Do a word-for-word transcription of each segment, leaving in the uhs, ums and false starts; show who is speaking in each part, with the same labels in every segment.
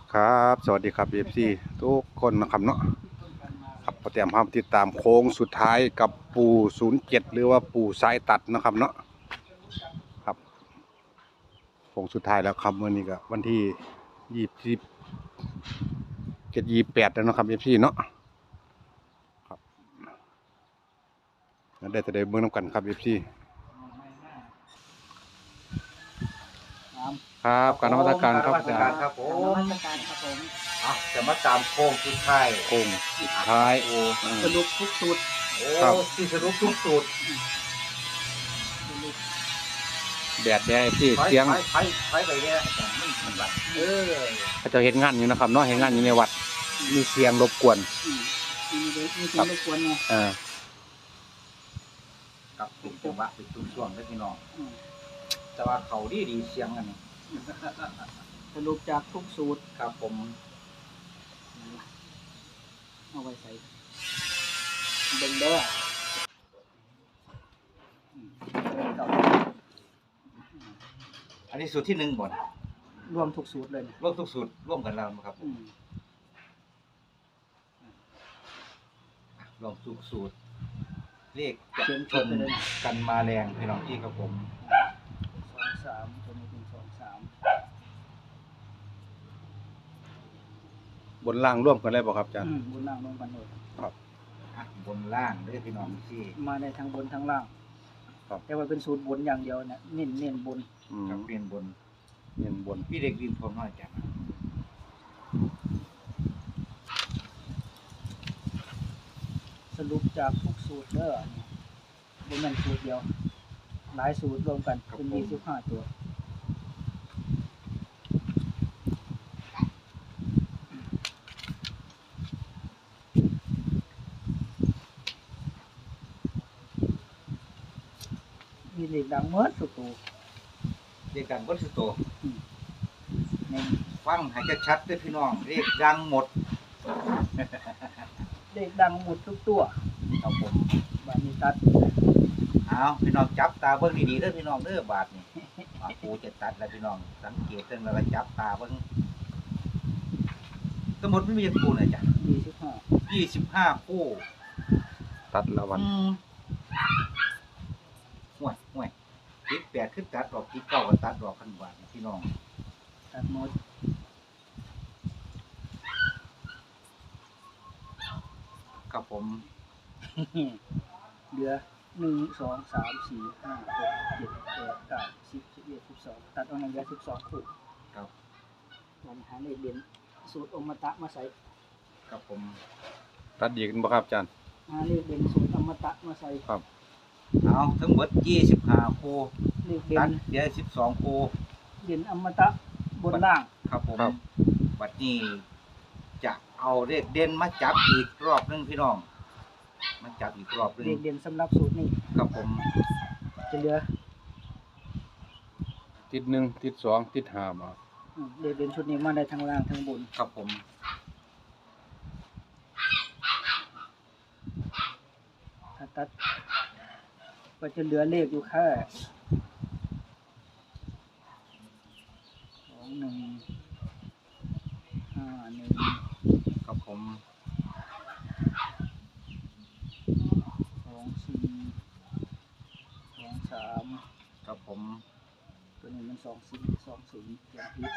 Speaker 1: ครับสวัสดีครับ เอฟ ซี ทุกคนนะครับเนาะครับพอเตรียมพร้อมติดตามโค้งสุดท้ายกับปู่ศูนย์เจ็ดหรือว่าปู่สายตัดนะครับเนาะครับโค้งสุดท้ายแล้วครับวันนี้ก็วันที่ยี่สิบเจ็ดยี่แปดแล้วนะครับ เอฟ ซี เนาะครับได้แต่ได้เบิ่งน้ำกันครับ เอฟ ซี ครับการนมัสการครับอาจารย์
Speaker 2: ครับผ
Speaker 3: น
Speaker 2: ม
Speaker 3: มัสการครับผม
Speaker 2: อ่ะจะมาตามโค้งสุดท้าย
Speaker 1: โค้งสุดท้าย
Speaker 2: โอ้
Speaker 1: อืม
Speaker 3: สรุปทุกสูตร
Speaker 2: โอ้
Speaker 1: ครับ
Speaker 2: ที่สรุปทุกสูตร
Speaker 3: สรุป
Speaker 1: แดดแดด เอฟ ซี
Speaker 2: ไป
Speaker 1: เสียง
Speaker 2: ไปไปไปไปเนี่ยอาจารย์มันมันวัดเออ
Speaker 1: เขาจะเห็นงานอยู่นะครับเนาะเห็นงานอยู่ในวัดมีเสียงรบกวน
Speaker 3: อืมมีเด็กมีเสียงรบกวนไง
Speaker 1: อ่า
Speaker 2: กับเป็นจังหวะเป็นช่วงช่วงเลยพี่น้อง
Speaker 3: อืม
Speaker 2: แต่ว่าเขาดีดีเสียงกันนี่
Speaker 3: สรุปจากทุกสูตร
Speaker 2: ครับผม
Speaker 3: เอาไว้ใส่เบิ่งเด้ออืมเอา
Speaker 2: อันนี้สูตรที่หนึ่งบ่น
Speaker 3: รวมทุกสูตรเลยเนี่ย
Speaker 2: ร่วมทุกสูตรร่วมกันแล้วนะครับ
Speaker 3: อืม
Speaker 2: รวมทุกสูตรเลขจะ
Speaker 3: เขียน
Speaker 2: ช
Speaker 3: จด
Speaker 2: น
Speaker 3: ไปเลย
Speaker 2: กันมาแรงพี่น้องที่ครับผม
Speaker 3: สองสามตัวนี้เป็นสองสาม
Speaker 1: บนล่างร่วมกันได้ป่ะครับอาจารย์
Speaker 3: อืมบนล่างลงกันเลย
Speaker 1: ครับ
Speaker 2: อ่ะบนล่างเด้อพี่น้องที่
Speaker 3: มาในทั้งบนทั้งล่าง
Speaker 1: ครับ
Speaker 3: แต่ว่าเป็นสูตรบนอย่างเดียวเนี่ยเน้นเน้นบน
Speaker 1: อืม
Speaker 2: กับเรียนบน
Speaker 1: เงินบน
Speaker 2: พี่เด็กดินพร้อมน้อยจ้ะ
Speaker 3: สรุปจากทุกสูตรเด้อเนี่ยบนมันสูตรเดียว หลายสูตรรวมกันเป็นยี่สิบห้าตัว มีเลขดังเมื่อสุดตัว
Speaker 2: เรียกกันบนสุดโต
Speaker 3: ใน
Speaker 2: ฟังให้ชัดๆด้วยพี่น้องเรียกดังหมด
Speaker 3: เลขดังหมดทุกตัว
Speaker 2: ครับผม
Speaker 3: บานิตัด
Speaker 2: เอาพี่น้องจับตาเบิ่งดีๆเด้อพี่น้องเด้อบาดนี่อ่ะปูจะตัดแล้วพี่น้องสังเกตเรื่องแล้วก็จับตาเบิ่งทั้งหมดไม่มีคู่นะจ๊ะ
Speaker 3: ยี่สิบห้า
Speaker 2: ยี่สิบห้าคู่
Speaker 1: ตัดละวัน
Speaker 2: อืมห่วยห่วยติดแปดขึ้นตัดดอกติดเก้าก็ตัดดอกพันบาทนะพี่น้อง
Speaker 3: ตัดหมด
Speaker 2: ครับผม
Speaker 3: เหลือหนึ่งสองสามสี่ห้าหกเจ็ดแปดเก้าสิบสิบเอ็ดสิบสองตัดออกมาเหลือสิบสองคู่
Speaker 2: ครับ
Speaker 3: วันหาเลขเด่นสูตรอมตะมาใส่
Speaker 2: ครับผม
Speaker 1: ตัดดีกันบ่ครับอาจารย์
Speaker 3: หาเลขเด่นสูตรอมตะมาใส่
Speaker 1: ครับ
Speaker 2: เอาทั้งหมดยี่สิบห้าคู่
Speaker 3: เลขเด่
Speaker 2: ตัด
Speaker 3: น
Speaker 2: เดี๋ยวสิบสองคู่
Speaker 3: เด่นอมตะบนล่าง
Speaker 2: ครับผมบัดนี้จะเอาเลขเด่นมาจับอีกรอบหนึงพี่น้องมาจับอีกรอบหนึง
Speaker 3: เลขเด่นสำหรับสูตรนี้
Speaker 2: ครับผม
Speaker 3: จะเหลือ
Speaker 1: ติดหนึ่งติดสองติดห้ามา
Speaker 3: อืมเลขเด่นชุดนี้มาได้ทั้งล่างทั้งบน
Speaker 2: ครับผม
Speaker 3: ถ้าตัดก็จะเหลือเลขอยู่แค่สองหนึ่งห้าหนึ่ง
Speaker 2: ครับผม
Speaker 3: สองสี่สองสาม
Speaker 2: ครับผม
Speaker 3: ตัวนี้มันสองสี่สองศูนย์อย่างที่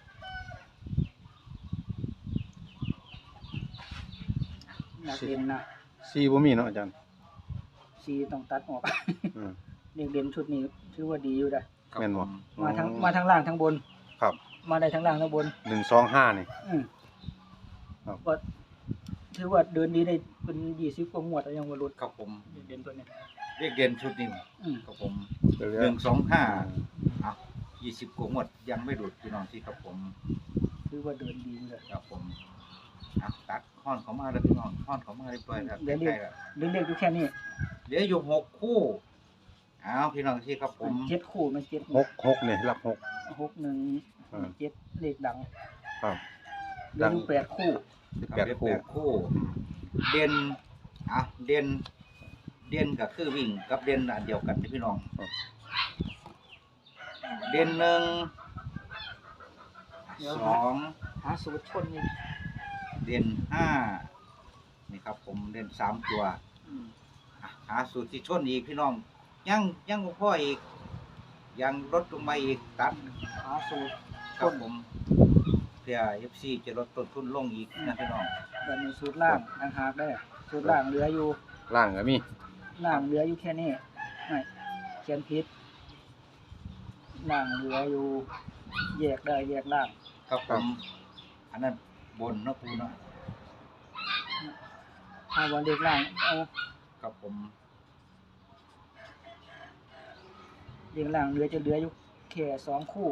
Speaker 3: นักเรียนนะ
Speaker 1: สี่บ่มีเนาะอาจารย์
Speaker 3: ซีต้องตัดออก
Speaker 1: อืม
Speaker 3: เลขเด่นชุดนี้ถือว่าดีอยู่ได้
Speaker 2: ครับ
Speaker 1: แม่นบ่
Speaker 2: ผม
Speaker 3: มาทั้งมาทั้งล่างทั้งบน
Speaker 1: ครับ
Speaker 3: มาได้ทั้งล่างทั้งบน
Speaker 1: หนึ่งสองห้านี่
Speaker 3: อืม
Speaker 1: ครับ
Speaker 3: ก็ถือว่าเดินดีได้เป็นยี่สิบกว่างวดแล้วยังว่าหลุด
Speaker 2: ครับผม
Speaker 3: เลขเด่นตัวนี้
Speaker 2: เลขเด่นชุดนี้
Speaker 3: อืม
Speaker 2: ครับผม
Speaker 1: เหลือ
Speaker 2: หนึ่งสองห้าอ่ะยี่สิบกว่าหมดยังไม่หลุดพี่น้องที่ครับผม
Speaker 3: ถือว่าเดินดีอยู่เลย
Speaker 2: ครับผมอ่ะตัดค้อนเขามาแล้วพี่น้องค้อนเขามาเรียบร้อยแล้วใกล้ๆแล้ว
Speaker 3: เรื่องเลขอยู่แค่นี้
Speaker 2: เหลืออยู่หกคู่อ้าวพี่น้องที่ครับผม
Speaker 3: เจ็ดคู่มันเจ็ด
Speaker 1: หกหกนี่หลักหก
Speaker 3: หกหนึ่ง
Speaker 1: อ่า
Speaker 3: เจ็ดเลขดัง
Speaker 1: ครับ
Speaker 3: เหลืออยู่แปดคู่
Speaker 1: สิบ
Speaker 2: ค
Speaker 1: แป
Speaker 2: รับ
Speaker 1: ด
Speaker 2: เหลือ
Speaker 1: คู่
Speaker 2: แปดคู่ เด่นอ่ะเด่นเด่นก็คือวิ่งกับเด่นอันเดียวกันที่พี่น้อง เด่นหนึ่งสอง
Speaker 3: หาสูตรชนนี่
Speaker 2: เด่นห้านี่ครับผมเด่นสามตัว
Speaker 3: อืม
Speaker 2: อ่ะหาสูตรที่ชนอีกพี่น้อง ยังยังบ่พออีก ยังลดลงมาอีกตัด
Speaker 3: หาสูตร
Speaker 2: ครับผมเพื่อ เอฟ ซี จะลดต้นทุนลงอีกนะพี่น้อง
Speaker 3: บัดนี้สูตรล่างต่างหากได้อสูตรล่างเหลืออยู่
Speaker 1: ล่างก็มี
Speaker 3: ล่างเหลืออยู่แค่นี้ไม่เขียนผิดล่างเหลืออยู่แยกได้แยกล่าง
Speaker 2: ครับผม อันนั้นบนเนาะปูเนาะ
Speaker 3: ถ้าว่าเลขล่างเอา
Speaker 2: ครับผม
Speaker 3: เลขล่างเหลือจะเหลืออยู่แค่สองคู่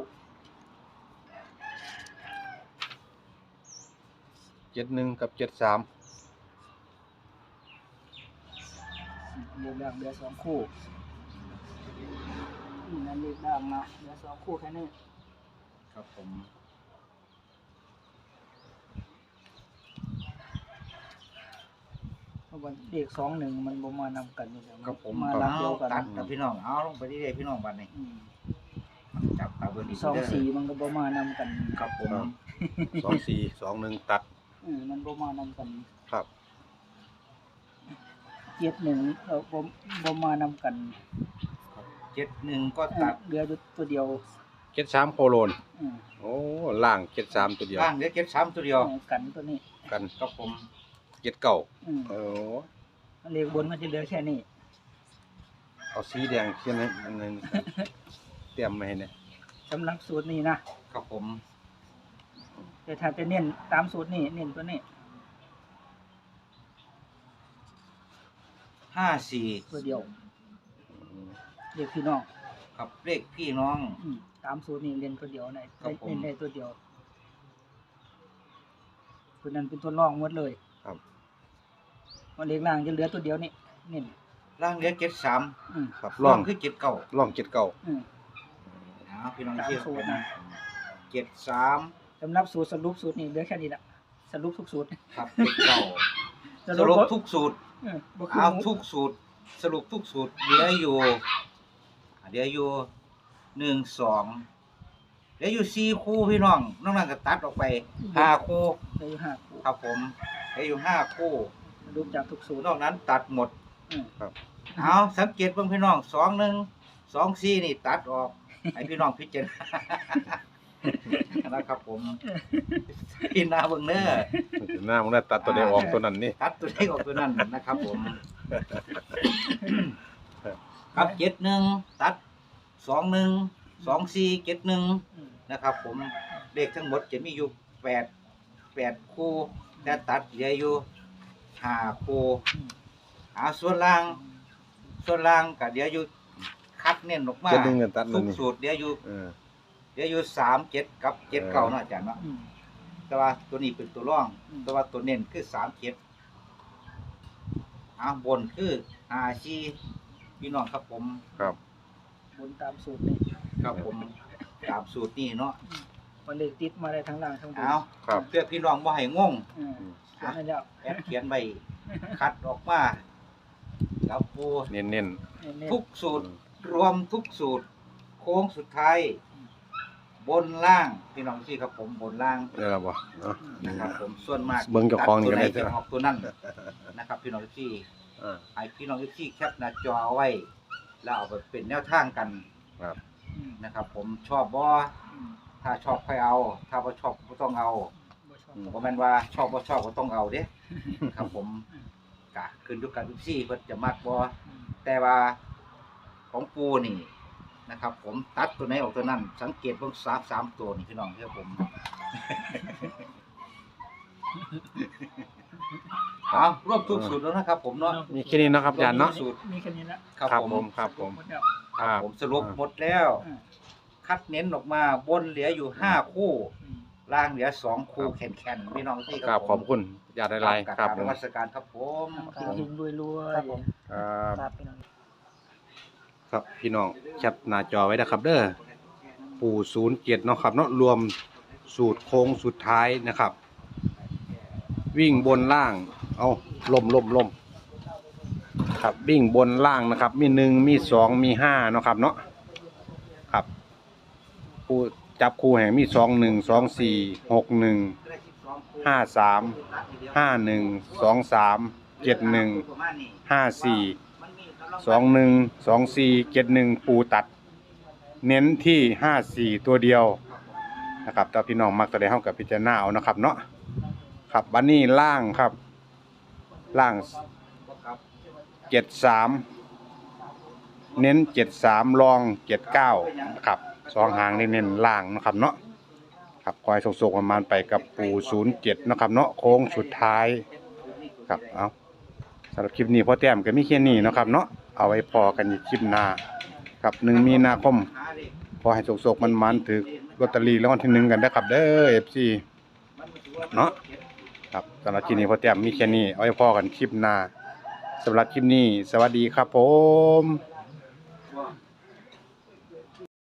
Speaker 1: เจ็ดหนึ่งกับเจ็ดสาม
Speaker 3: เลขล่างเหลือสองคู่อืมนั่นเลขล่างนะเหลือสองคู่แค่นี้
Speaker 2: ครับผม
Speaker 3: เพราะว่าเลขสองหนึ่งมันบ่มานำกันนี่แหละ
Speaker 2: ครับผม
Speaker 3: มาลักเดียวกัน
Speaker 2: ตัดนะพี่น้อง เอาลงไปเรื่อยๆพี่น้องบัดนี้
Speaker 3: อืม
Speaker 2: จับตาเบิ่งอีก
Speaker 3: สอง
Speaker 2: เด้อ
Speaker 3: สี่มันก็บ่มานำกัน
Speaker 2: ครับผม
Speaker 1: สองสี่สองหนึ่งตัด
Speaker 3: อืมมันบ่มานำกัน
Speaker 1: ครับ
Speaker 3: เจ็ดหนึ่งเออบ่บ่มานำกัน
Speaker 2: เจ็ดหนึ่งก็
Speaker 3: เออ
Speaker 2: ตัด
Speaker 3: เหลืออยู่ตัวเดียว
Speaker 1: เจ็ดสามโคโลน
Speaker 3: อืม
Speaker 1: โอ้ล่างเจ็ดสามตัวเดียว
Speaker 2: ล่างเหลือเจ็ดสามตัวเดียว
Speaker 3: เออกันตัวนี้
Speaker 1: กัน
Speaker 2: ครับผม
Speaker 1: เจ็ดเก้า
Speaker 3: อืม
Speaker 1: โอ้
Speaker 3: เลขบนมันจะเหลือแค่นี้
Speaker 1: เอาสีแดงเขียนให้อันหนึงเตรียมมาให้เนี่ย
Speaker 3: สำหรับสูตรนี้นะครับ
Speaker 2: ผม
Speaker 3: แต่ถ้าจะเน้นตามสูตรนี้เน้นตัวนี้
Speaker 2: ห้าสี่
Speaker 3: ตัวเดียวเลขพี่น้อง
Speaker 2: ครับเลขพี่น้อง
Speaker 3: อืมตามสูตรนี้เล่นตัวเดียวได้
Speaker 2: ครับผม
Speaker 3: เล่นได้ตัวเดียวตัวนั้นเป็นตัวรองหมดเลย
Speaker 1: ครับ
Speaker 3: มันเลขล่างจะเหลือตัวเดียวนี่เน้น
Speaker 2: ล่างเหลือเจ็ดสาม
Speaker 3: อืม
Speaker 1: ครับ
Speaker 2: ล่
Speaker 1: ล่
Speaker 2: อ
Speaker 1: อง ง
Speaker 2: คือเจ็ดเก้า
Speaker 1: ล่องเจ็ดเก้า
Speaker 3: อืม
Speaker 2: เอาพี่น้อง
Speaker 3: ตาม
Speaker 2: เชื่อ
Speaker 3: สูตรนะ
Speaker 2: เจ็ดสาม
Speaker 3: สำหรับสูตรสรุปสูตรนี้เหลือแค่นี้ละสรุปทุกสูตร
Speaker 2: ครับเจ็ดเก้าสรุปทุกสูตร
Speaker 3: เออบ่คือ
Speaker 2: เอา
Speaker 3: หมู
Speaker 2: ทุกสูตร สรุปทุกสูตรเหลืออยู่เหลืออยู่หนึ่งสองเหลืออยู่สี่คู่พี่น้องนอกนั้นก็ตัดออกไปห้าคู่
Speaker 3: เหลืออยู่ห้าคู่
Speaker 2: ครับผมเหลืออยู่ห้าคู่
Speaker 3: สรุปจากทุกสูตร
Speaker 2: นอกนั้นตัดหมด
Speaker 3: อืม
Speaker 1: ครับ
Speaker 2: เอาสังเกตเบิ่งพี่น้องสองหนึ่งสองสี่นี่ตัดออกให้พี่น้องพิจารณา นะครับผมพี่นาเบิ่งเด้อ
Speaker 1: หน้ามันได้ตัดตัวใดออกตัวนั้นนี่
Speaker 2: ตัดตัวเลขออกตัวนั้นนะครับผม ครับเจ็ดหนึ่งตัดสองหนึ่งสองสี่เจ็ดหนึ่ง
Speaker 3: อืม
Speaker 2: นะครับ ผมเลขทั้งหมดจะมีอยู่แปดแปดคู่แต่ตัดเหลืออยู่ห้าคู่
Speaker 3: อืม
Speaker 2: หาส่วนล่าง ส่วนล่างก็เดี๋ยวอยู่คัดเน้นออกมา
Speaker 1: เจ็ดหนึ่งเงินตัด
Speaker 2: ทุ
Speaker 1: นั่น
Speaker 2: ก
Speaker 1: นี่
Speaker 2: สูตรเดี๋ยวอยู่
Speaker 1: เออ
Speaker 2: เดี๋ยวอยู่สามเจ็ดกับเจ็ดเก้า
Speaker 1: เออ
Speaker 2: เนาะอาจารย์เนาะ
Speaker 3: อืม
Speaker 2: แต่ว่าตัวนี้เป็นตัวร่อง
Speaker 3: อืม
Speaker 2: แต่ว่าตัวเน้นคือสามเจ็ดอ่าบนคือห้าชีพี่น้องครับผม
Speaker 1: ครับ
Speaker 3: บนตามสูตรนี่
Speaker 2: ครับผมตามสูตรนี้เนาะ
Speaker 3: มันเลขติดมาได้ทั้งล่างทั้งบน
Speaker 2: เอา
Speaker 1: ครับ
Speaker 2: เพื่อพี่น้องว่าให้งง
Speaker 3: อืมเขียนให้แล้ว
Speaker 2: แอดเขียนใบคัดออกมาแล้วปู
Speaker 1: เน้น
Speaker 3: เน้น
Speaker 2: ทุกสูตร รวมทุกสูตร โค้งสุดท้าย บนล่างพี่น้องที่ครับผมบนล่าง
Speaker 1: ๆได้แล้วบ่เนาะ
Speaker 2: นะครับ ผมส่วนมาก
Speaker 1: เบิ่งเจ้าของนี่ก็ได้
Speaker 2: ตัตัวหจะออกตัวนั้นนะครับ พี่น้องที่
Speaker 1: อ่า
Speaker 2: ให้พี่น้องที่แคปหน้าจอเอาไว้ แล้วเอาไปเป็นแนวทางกัน
Speaker 1: ครับ
Speaker 3: อืม
Speaker 2: นะครับ ผมชอบบ่
Speaker 3: อืม
Speaker 2: ถ้าชอบค่อยเอา ถ้าบ่ชอบก็ต้องเอา
Speaker 3: บ่ชอบ
Speaker 2: บ่แม่นว่าชอบบ่ชอบก็ต้องเอาเด้ ครับผมกะขึ้นอยู่กับทุกที่เพิ่นจะมักบ่
Speaker 3: อืม
Speaker 2: แต่ว่าของปูนี่นะครับ ผมตัดตัวไหนออกตัวนั้น สังเกตเบิ่งสามสามตัวนี่พี่น้องเด้อผม เอารวบทุกสูตรแล้วนะครับ ผมเนาะ
Speaker 1: มีแค่นี้เนาะครับอาจารย์เนาะ
Speaker 2: สูตร
Speaker 3: มีแค่นี้ละ
Speaker 2: ครับ
Speaker 1: ครับ
Speaker 2: ผม
Speaker 1: ผมครับผม
Speaker 3: หมดแล้ว
Speaker 2: ครับผมสรุปหมดแล้ว
Speaker 3: อ่า
Speaker 2: คัดเน้นออกมาบนเหลืออยู่ห้าคู่
Speaker 3: อืม
Speaker 2: ล่างเหลือสองคู่แข็งๆพี่น้องที่
Speaker 1: กราบขอบคุณญาติหลายๆครับ
Speaker 2: น
Speaker 1: ผม
Speaker 2: มัสการครับผม
Speaker 3: ครับหิงๆรวยๆ
Speaker 2: ครับผม
Speaker 1: ครับ
Speaker 3: ครับพี่น้อง
Speaker 1: ครับพี่น้องแคปหน้าจอไว้นะครับเด้อปู่ศูนย์เจ็ดเนาะครับเนาะรวมสูตรโค้งสุดท้ายนะครับ วิ่งบนล่าง เอาลมลมลมครับวิ่งบนล่างนะครับ มีหนึ่งมีสองมีห้าเนาะครับเนาะครับผู้จับคู่แห่งมีสองหนึ่งสองสี่หกหนึ่งห้าสามห้าหนึ่งสองสามเจ็ดหนึ่งห้าสี่สองหนึ่งสองสี่เจ็ดหนึ่งปูตัด เน้นที่ห้าสี่ตัวเดียวนะครับถ้าพี่น้องมักจะได้เฮากับพิจารณาเอานะครับเนาะครับวันนี้ล่างครับล่างเจ็ดสามเน้นเจ็ดสามรองเจ็ดเก้าครับสองหางนี่เน้นล่างนะครับเนาะครับคอยส่งๆประมาณไปกับปูศูนย์เจ็ดนะครับเนาะโค้งสุดท้ายครับเอาสำหรับคลิปนี้พ่อแต้มก็มีแค่นี้นะครับเนาะเอาไว้พอกันอีกคลิปหน้าครับหนึ่งมีนาคมพอให้โศกๆมันๆถือลอตเตอรี่รางวัลที่หนึ่งกันนะครับเด้อ เอฟ ซี เนาะครับสำหรับคลิปนี้พ่อแต้มมีแค่นี้เอาไว้พอกันคลิปหน้าสำหรับคลิปนี้สวัสดีครับผม